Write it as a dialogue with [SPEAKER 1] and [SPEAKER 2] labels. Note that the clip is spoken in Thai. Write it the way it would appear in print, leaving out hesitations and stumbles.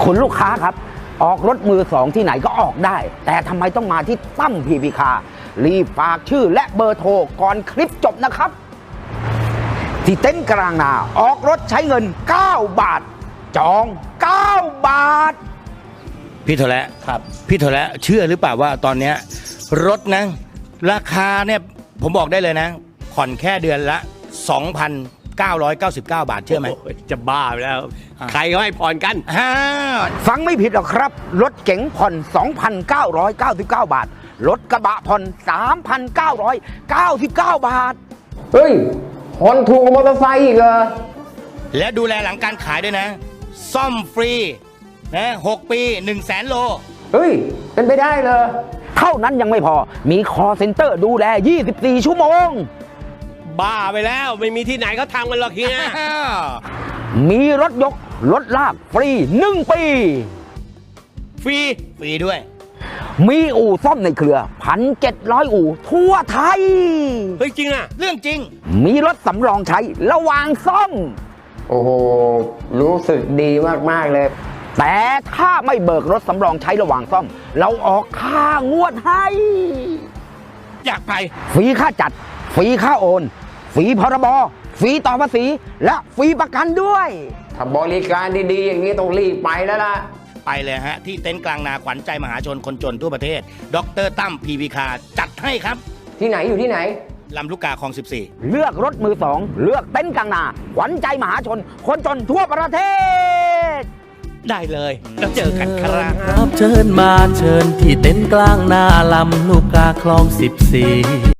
[SPEAKER 1] คุณลูกค้าครับออกรถมือสองที่ไหนก็ออกได้ แต่ทำไมต้องมาที่ตั้มพีพีคาร์รีบฝากชื่อและเบอร์โทรก่อนคลิปจบนะครับที่เต็นท์กลางนาออกรถใช้เงิน9 บาทจอง9 บาท
[SPEAKER 2] พี่โทและ
[SPEAKER 3] ครับ
[SPEAKER 2] พี่โทและเชื่อหรือเปล่าว่าตอนเนี้ยรถนะราคาเนี่ยผมบอกได้เลยนะผ่อนแค่เดือนละ 2,999 บาทเชื่อไหม
[SPEAKER 3] โอ้ยจะบ้าไปแล้ว ใครเขาให้ผ่อนกัน
[SPEAKER 1] ฟังไม่ผิดหรอกครับรถเก๋งผ่อน 2,999 บาทรถกระบะผ่อน 3,999 บาท
[SPEAKER 4] เฮ้ยผ่อนถูกกว่ามอเตอร์ไซค์อีกเหรอ
[SPEAKER 2] และดูแลหลังการขายด้วยนะซ่อมฟรีนะ6 ปี100,000 โล
[SPEAKER 4] เฮ้ยเป็นไปได้เลย
[SPEAKER 1] เท่านั้นยังไม่พอมีคอเซ็นเตอร์ดูแล24 ชั่วโมง
[SPEAKER 3] บ้าไปแล้วไม่มีที่ไหนเขาทำกันหรอกเฮีย
[SPEAKER 1] มีรถยกรถลากฟรี1 ปี
[SPEAKER 2] ฟรีด้วย
[SPEAKER 1] มีอู่ซ่อมในเครือ 1,700 อู่ทั่วไทย
[SPEAKER 3] เฮ้ยจริงอ่ะ
[SPEAKER 2] เรื่องจริง
[SPEAKER 1] มีรถสำรองใช้ระหว่างซ่อม
[SPEAKER 4] โอ้โหรู้สึกดีมากๆเลย
[SPEAKER 1] แต่ถ้าไม่เบิกรถสำรองใช้ระหว่างซ่อมเราออกค่างวดให้
[SPEAKER 2] อยากไป
[SPEAKER 1] ฟรีค่าจัดฟรีค่าโอนฟรีพรบฟรีต่อภาษีและฟรีประกันด้วย
[SPEAKER 4] ถ้าบริการดีๆอย่างนี้ต้องรีบไปแล้วล่ะ
[SPEAKER 2] ไปเลยฮะที่เต็นท์กลางนาขวัญใจมหาชนคนจนทั่วประเทศดร.ตั้มพีพีคาร์จัดให้ครับ
[SPEAKER 4] ที่ไหนอยู่ที่ไหน
[SPEAKER 2] ลำลูกกาคลอง 14
[SPEAKER 1] เลือกรถมือสองเลือกเต็นท์กลางนาขวัญใจมหาชนคนจนทั่วประเทศ
[SPEAKER 2] ได้เลยแล้วเจอกันครับ
[SPEAKER 5] เชิญมาเชิญที่เต็นท์กลางนาลำลูกกาคลอง 14